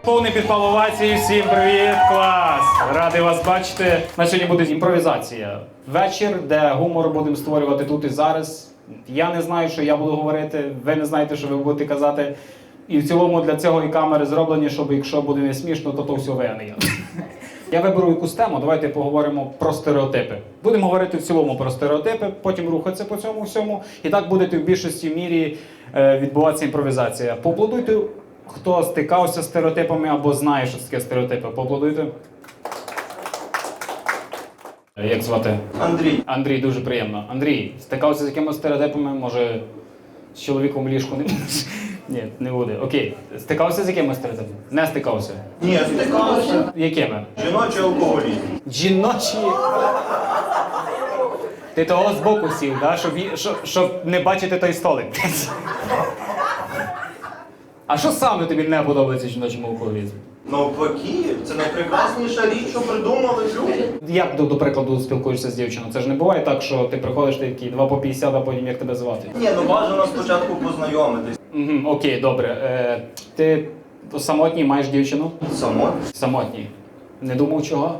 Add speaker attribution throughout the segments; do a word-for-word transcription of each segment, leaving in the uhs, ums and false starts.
Speaker 1: Повний підпал овації, всім привіт, клас! Радий вас бачити. На сьогодні буде імпровізація. Вечір, де гумор будемо створювати тут і зараз. Я не знаю, що я буду говорити, ви не знаєте, що ви будете казати. І в цілому для цього і камери зроблені, щоб якщо буде не смішно, то то все ви, а не я. Я виберу якусь тему, давайте поговоримо про стереотипи. Будемо говорити в цілому про стереотипи, потім рухатися по цьому всьому. І так буде в більшості мірі е, відбуватися імпровізація. Поаплодуйте, хто стикався з стереотипами або знає, що це таке стереотипи. Поаплодуйте. Як звати?
Speaker 2: Андрій.
Speaker 1: Андрій, дуже приємно. Андрій, стикався з якимось стереотипами? Може, з чоловіком в ліжку не будеш? Ні, не буде. Окей. Стикався з якимось стереотипами? Не стикався.
Speaker 2: Ні, стикався.
Speaker 1: Якими?
Speaker 2: Жіночий алкоголізм.
Speaker 1: Жіночі. Ти того збоку сів, да? щоб, ї- щоб, щоб не бачити той столик. А що саме тобі не подобається в жіночому алкоголізмі?
Speaker 2: Навпаки, це найпрекрасніша річ, що придумали люди.
Speaker 1: Як, до, до прикладу, спілкуєшся з дівчиною? Це ж не буває так, що ти приходиш, ти такий два по п'ятдесят, а потім як тебе звати?
Speaker 2: Ні, ну бажано спочатку познайомитись.
Speaker 1: Угу, окей, добре. Е, ти самотній, маєш дівчину?
Speaker 2: Само.
Speaker 1: Самотній. Не думав чого?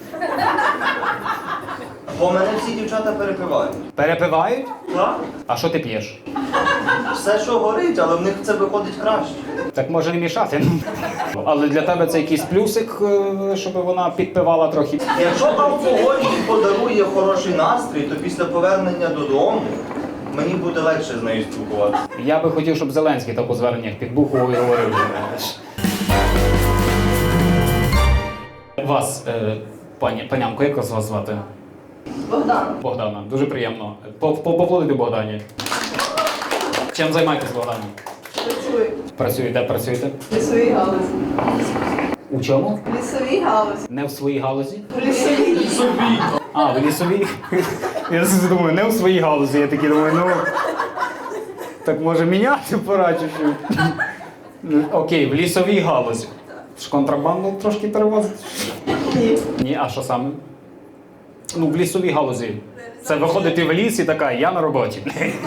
Speaker 2: Бо мене всі дівчата перепивають.
Speaker 1: Перепивають?
Speaker 2: Так?
Speaker 1: А що ти п'єш?
Speaker 2: Все, що горить, але в них це виходить краще.
Speaker 1: Так може не мішати. Але для тебе це якийсь плюсик, е, щоб вона підпивала трохи.
Speaker 2: Якщо алкоголь їй подарує хороший настрій, то після повернення додому мені буде легше з нею спілкуватися.
Speaker 1: Я би хотів, щоб Зеленський так у зверненнях підбухував і говорив. Вас, е, пані, панянко, як вас звати?
Speaker 3: Богдан.
Speaker 1: Богдана. Дуже приємно. По- по- Поаплодуйте Богдані. Чим займаєтесь, Богдані?
Speaker 3: Працюю.
Speaker 1: Працюєте, працюєте?
Speaker 3: В лісовій галузі.
Speaker 1: У чому?
Speaker 3: В лісовій галузі.
Speaker 1: Не в своїй галузі?
Speaker 3: В лісовій.
Speaker 1: А, в лісовій? Я думаю, не в своїй галузі. Я такий думаю, ну... Так може міняти пора чуть-чуть. Окей, в лісовій галузі. Ж контрабанду трошки перевозить?
Speaker 3: Ні.
Speaker 1: Ні, а що саме? Ну, в лісовій галузі. Це виходити в ліс і така, я на роботі.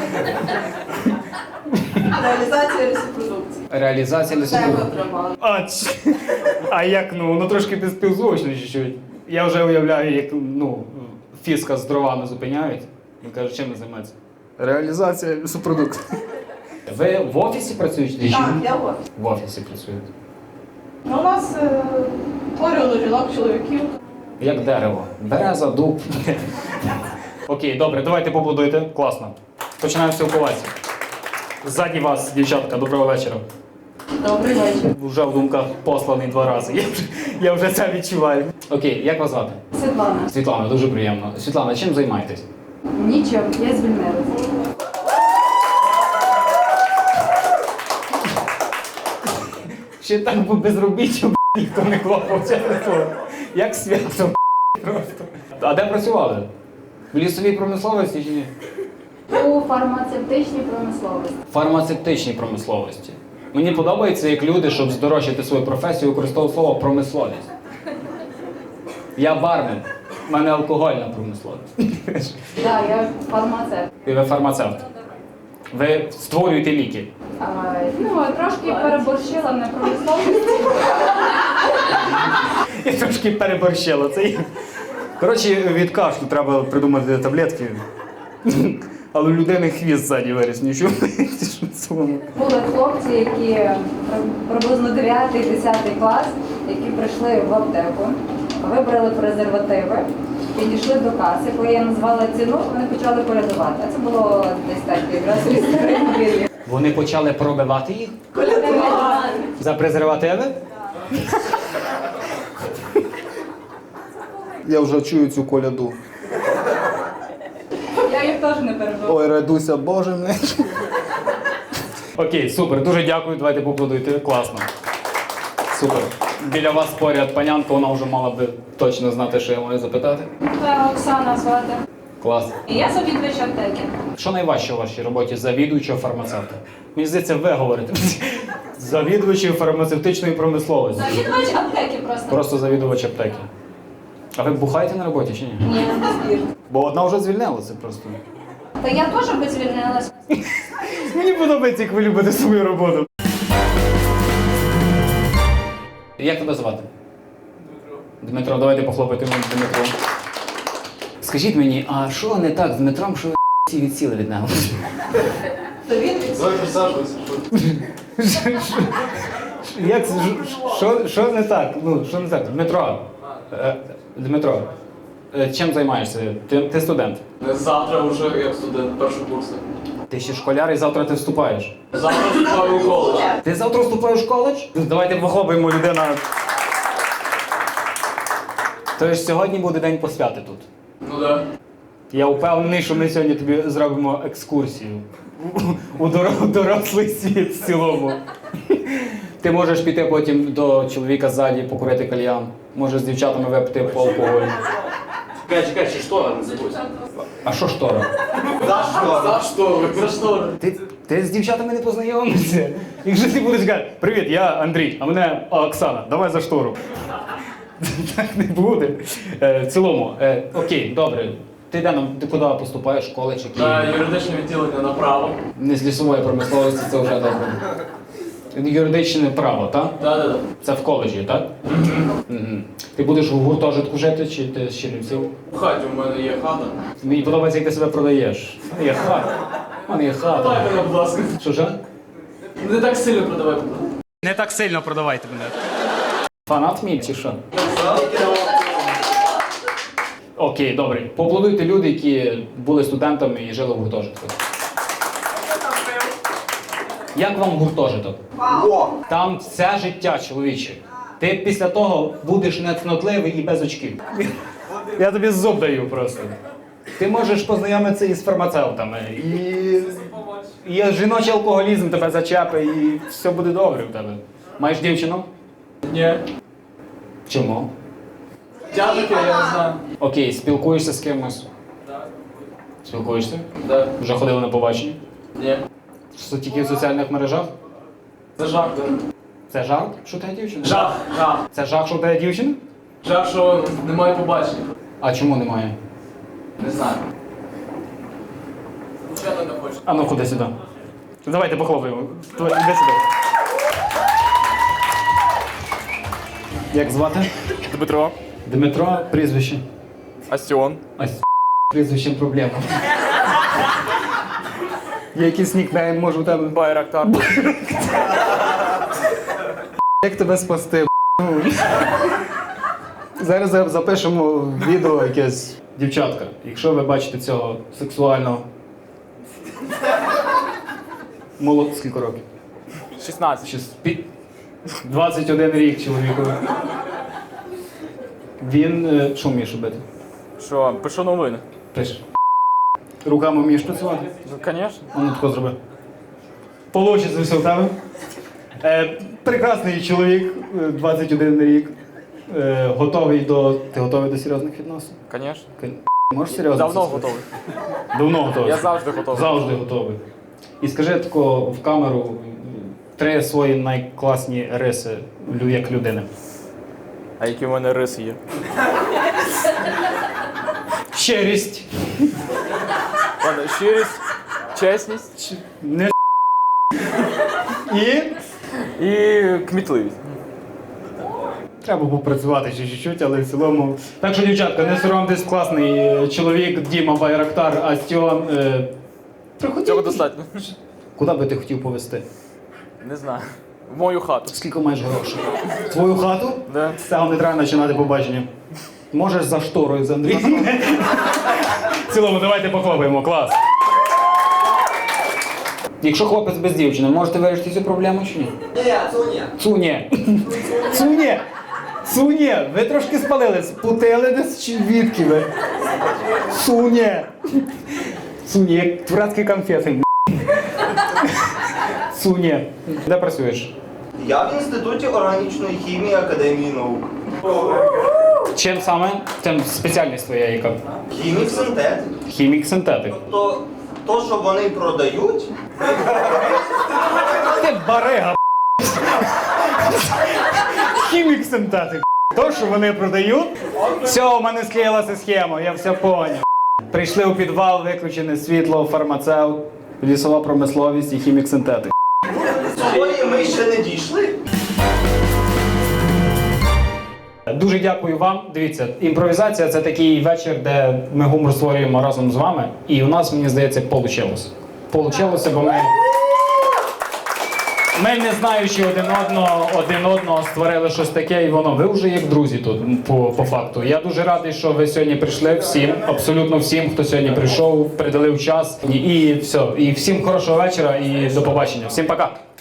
Speaker 3: Реалізація лісопродукції.
Speaker 1: Реалізація
Speaker 3: Це
Speaker 1: лісової.
Speaker 3: контрабанда.
Speaker 1: А, ч- а як, ну, ну трошки безпівзвучно чуть-чуть. Я вже уявляю, як, ну, фіска з дровами зупиняють. Він каже, чим ви займаєтеся? Реалізація лісопродукту. Ви в офісі працюєте? чи
Speaker 3: Так,
Speaker 1: ні?
Speaker 3: я в офісі.
Speaker 1: В офісі працюєте.
Speaker 3: Ну, у нас е, порівну жінок, чоловіків.
Speaker 1: Як дерево. Береза, дуб. Окей, добре, давайте побудуйте. Класно. Починаємо спілкуватися. Ззаді вас, дівчатка, доброго вечора.
Speaker 3: Добрий вечір.
Speaker 1: Вже в думках посланий два рази. Я вже, я вже це відчуваю. Окей, як вас звати?
Speaker 3: Світлана.
Speaker 1: Світлана, дуже приємно. Світлана, чим займаєтесь?
Speaker 3: Нічим, я звільнилася.
Speaker 1: Ще так би безробіття, б**, ніхто не клопав, чесне слово. Як свято, б**, просто. А де працювали? В лісовій промисловості чи ні?
Speaker 4: У фармацевтичній промисловості.
Speaker 1: В фармацевтичній промисловості. Мені подобається, як люди, щоб здорожчати свою професію, використовують слово промисловість. Я бармен. У мене алкогольна промисловість.
Speaker 4: Так, я фармацевт.
Speaker 1: І ви фармацевт. Ви створюєте ліки.
Speaker 4: А, ну, трошки переборщила на промисловість.
Speaker 1: Я трошки переборщила це. Коротше, від кашлю треба придумати таблетки. Але у людини хвіст ззаді виріс, нічого.
Speaker 4: Були хлопці, які при- приблизно дев'ятий-десятий клас, які прийшли в аптеку, вибрали презервативи, підійшли до каси, коли я назвала ціну, вони почали колядувати. А це було десь так, якраз із старих.
Speaker 1: Вони почали пробивати їх
Speaker 4: Колядувати.
Speaker 1: за презервативи.
Speaker 5: Я вже чую цю коляду.
Speaker 4: Я їх теж не перебила.
Speaker 5: Ой, радуйся, Боже мій.
Speaker 1: Окей, супер, дуже дякую, давайте поаплодуйте. Класно. Супер. Біля вас поряд панянка, вона вже мала би точно знати, що я маю запитати.
Speaker 4: Це Оксана звати.
Speaker 1: Клас.
Speaker 4: Я завідувач аптеки.
Speaker 1: Що найважче у вашій роботі завідуючого фармацевта? Мені здається, ви говорите. Завідувачі фармацевтичної промисловості.
Speaker 4: Завідувач аптеки просто.
Speaker 1: Просто завідувач аптеки. А ви бухаєте на роботі чи ні?
Speaker 4: Ні, не збір.
Speaker 1: Бо одна вже звільнилася просто.
Speaker 4: Та я теж би звільнилась.
Speaker 1: Мені подобається, як ви любите свою роботу. Як тебе звати? Дмитро. Дмитро, давайте похлопайте мені Дмитро. Скажіть мені, а що не так з Дмитром, що ви всі відсіли від нього?
Speaker 3: То він від
Speaker 6: Давай присаджуйся.
Speaker 1: Як це? Що, що не так? Ну, що не так? Дмитро. Е, Дмитро. е, Чим займаєшся? Ти, ти студент.
Speaker 6: Завтра вже як студент першого курсу.
Speaker 1: Ти ще школяр і завтра ти вступаєш.
Speaker 6: Завтра вступаю у коледж.
Speaker 1: Ти завтра вступаєш в коледж? Давайте похлопаємо людина. Тож сьогодні буде день посвяти тут.
Speaker 6: Ну да.
Speaker 1: Я впевнений, що ми сьогодні тобі зробимо екскурсію у дор- у дорослий світ в цілому. Ти можеш піти потім до чоловіка ззаді, покурити кальян. Можеш з дівчатами випити по алкоголю.
Speaker 6: Чекай, чекай, ще штора не забудь.
Speaker 1: А що штора?
Speaker 2: За що?
Speaker 6: За штори, за штори.
Speaker 1: Ти, ти з дівчатами не познайомився? Якщо ти будеш казати, привіт, я Андрій, а мене Оксана, давай за штору. Так не буде. Е, в цілому, е, окей, добре. Ти де нам, ти куди поступаєш, школи чи
Speaker 6: На
Speaker 1: Київ?
Speaker 6: юридичне відділення направо.
Speaker 1: Не з лісової промисловості, це вже добре. Юридичне право, так?
Speaker 6: Да, да, да.
Speaker 1: Це в коледжі, так? Угу. Ти будеш в гуртожитку жити чи ти з Чернівців?
Speaker 6: У хаті у мене є хата.
Speaker 1: Мені подобається, як ти себе продаєш. У мене є хата. У мене є
Speaker 6: Давай
Speaker 1: хата.
Speaker 6: мене, будь ласка.
Speaker 1: Що ж?
Speaker 6: Не так сильно продавай, будь ласка.
Speaker 1: Не так сильно продавайте мене. Фанат мій чи що? Окей, добре. Поаплодуйте люди, які були студентами і жили в гуртожитку. Як вам гуртожиток? Там все життя, чоловіче. Ти після того будеш нецнотливий і без очків. Я тобі зуб даю просто. Ти можеш познайомитися із фармацевтами, і, і жіночий алкоголізм тебе зачепить, і все буде добре в тебе. Маєш дівчину?
Speaker 6: Ні.
Speaker 1: Чому?
Speaker 6: Дядьки, я не знаю.
Speaker 1: Окей, спілкуєшся з кимось?
Speaker 6: Так.
Speaker 1: Спілкуєшся?
Speaker 6: Да.
Speaker 1: Вже ходили на побачення?
Speaker 6: Ні.
Speaker 1: Що, тільки в соціальних мережах?
Speaker 6: Це жах, да.
Speaker 1: Це жарт, що тебе дівчина?
Speaker 6: Жах, жах.
Speaker 1: Це жах, що в тебе дівчина?
Speaker 6: Жах, що немає побачення.
Speaker 1: А чому немає?
Speaker 6: Не знаю. Звичайно не хочу.
Speaker 1: А ну ходи сюди. Давайте похлопаємо. Давай, іди сюди. Як звати?
Speaker 7: Дмитро.
Speaker 1: Дмитро, прізвище.
Speaker 7: Астіон.
Speaker 1: А з прізвищем проблема. Є якийсь нікнейм, може у тебе?
Speaker 7: Байрактар.
Speaker 5: Як тебе спасти? Ну, зараз запишемо відео якесь.
Speaker 1: Дівчатка, якщо ви бачите цього сексуального... Молод... Скільки років?
Speaker 7: шістнадцять.
Speaker 1: Щас пі- двадцять один рік чоловіку. Він... е, Що вмієш робити?
Speaker 7: Що, пишу новини.
Speaker 1: Пиш. Руками вмієш працювати?
Speaker 7: Ну, звісно.
Speaker 1: А ну тако зроби. Получиться все в тебе. Е, прекрасний чоловік, е, двадцять один рік. Е, готовий до... Ти готовий до серйозних відносин?
Speaker 7: Звісно.
Speaker 1: Ки- Можеш серйозно?
Speaker 7: Давно
Speaker 1: це сказати?
Speaker 7: готовий.
Speaker 1: Давно готовий.
Speaker 7: Я завжди готовий.
Speaker 1: Завжди готовий. І скажи тако в камеру три свої найкласні риси лю- як людини.
Speaker 7: А які в мене риси є?
Speaker 1: Щирість.
Speaker 7: Ладно, щирість, чесність
Speaker 1: Не і
Speaker 7: і кмітливість.
Speaker 1: треба було працювати ще чуть-чуть, але в цілому. Так що, дівчатка, не соромтесь, класний е, чоловік Діма Байрактар Астіон. Е, приходіть.
Speaker 7: Цього достатньо.
Speaker 1: Куди би ти хотів повезти?
Speaker 7: Не знаю. В мою хату.
Speaker 1: Скільки маєш грошей? Твою хату?
Speaker 7: Да.
Speaker 1: З цього не треба починати побачення. Можеш за шторою з Андрієм. В цілому, давайте похлопаємо, клас. Якщо хлопець без дівчини, можете вирішити цю проблему чи ні?
Speaker 2: Ні, Цуня.
Speaker 1: Цуні. Цуні. Цуні. Ви трошки спалили, спутили десь чи відки ви? Цуні. Цуні, як турецькі конфети. Цуні. Де працюєш?
Speaker 2: Я в інституті органічної хімії Академії наук.
Speaker 1: Чим саме? Чим спеціальність твоя яка?
Speaker 2: Хімік синтетик.
Speaker 1: Хімік-синтетик.
Speaker 2: То, то, що вони продають,
Speaker 1: Ти барига. Хімік-синтетик. То, що вони продають. Все, у мене склеїлася схема, я все поняв. Прийшли у підвал, виключене світло, фармацевт, лісова промисловість і хімік-синтетик.
Speaker 2: сьогодні ми ще не дійшли.
Speaker 1: Дуже дякую вам. Дивіться, імпровізація це такий вечір, де ми гумор створюємо разом з вами. І у нас, мені здається, вийшло. Получилося, бо ми. Ми, не знаючи один одного, один одного створили щось таке, і воно. Ви вже як друзі тут, по, по факту. Я дуже радий, що ви сьогодні прийшли. Всім, абсолютно всім, хто сьогодні прийшов, приділив час. І, і все. І всім хорошого вечора і до побачення. Всім пока.